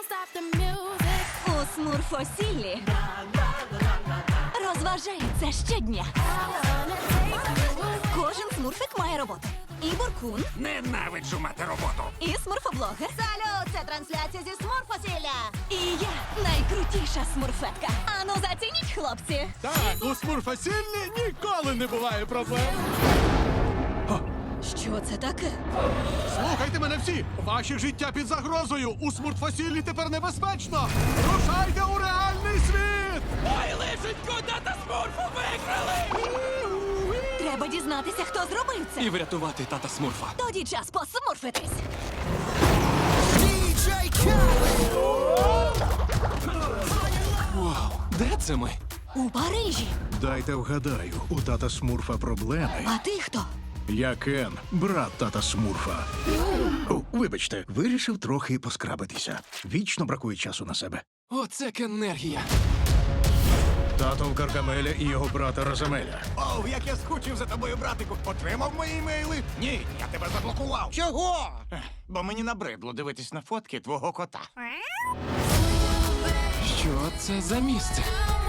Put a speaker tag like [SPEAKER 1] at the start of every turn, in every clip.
[SPEAKER 1] stop the music.
[SPEAKER 2] У Смурфосіллі розважаються щодня. Кожен смурфик має роботу. І Буркун,
[SPEAKER 3] Ненавиджу мати роботу.
[SPEAKER 2] і смурфоблогер.
[SPEAKER 4] Салют, це трансляція зі Смурфосілля.
[SPEAKER 2] І я найкрутіша смурфетка. Ану, зацініть, хлопці.
[SPEAKER 5] Так, у Смурфосіллі ніколи не буває проблем.
[SPEAKER 2] Що це таке?
[SPEAKER 5] Слухайте мене всі! Ваше життя під загрозою! У Смурфосіллі тепер небезпечно! Рушайте у реальний світ!
[SPEAKER 3] Ой, лишенько, тата Смурфу виграли!
[SPEAKER 2] Треба дізнатися, хто зробив це.
[SPEAKER 3] І врятувати тата Смурфа.
[SPEAKER 2] Тоді час посмурфитись.
[SPEAKER 3] Вау, де це ми?
[SPEAKER 2] У Парижі.
[SPEAKER 6] Дайте вгадаю, у тата Смурфа проблеми.
[SPEAKER 2] А ти хто?
[SPEAKER 6] Я Кен, брат тата Смурфа. О, вибачте, вирішив трохи поскрабитися. Вічно бракує часу на себе.
[SPEAKER 3] Оце кенергія.
[SPEAKER 6] Тато в Гаргамеля і його брата Розамеля.
[SPEAKER 7] Оу, як я скучив за тобою, братику. Отримав мої імейли? Ні, я тебе заблокував. Чого? Бо мені набридло дивитись на фотки твого кота.
[SPEAKER 3] Що це за місце?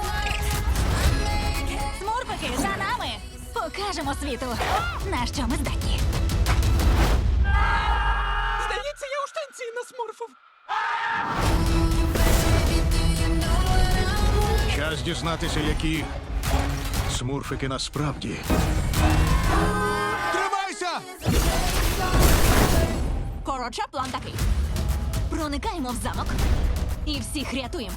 [SPEAKER 2] Смурфики, за нами! Покажемо світу, на що ми здатні.
[SPEAKER 3] Здається, я у штанці насмурфив.
[SPEAKER 6] Час дізнатися, які смурфики насправді.
[SPEAKER 5] Тримайся!
[SPEAKER 2] Коротше, план такий. Проникаємо в замок і всіх рятуємо.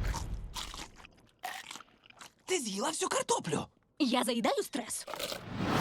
[SPEAKER 3] Ти з'їла всю картоплю.
[SPEAKER 2] Я заїдаю стрес.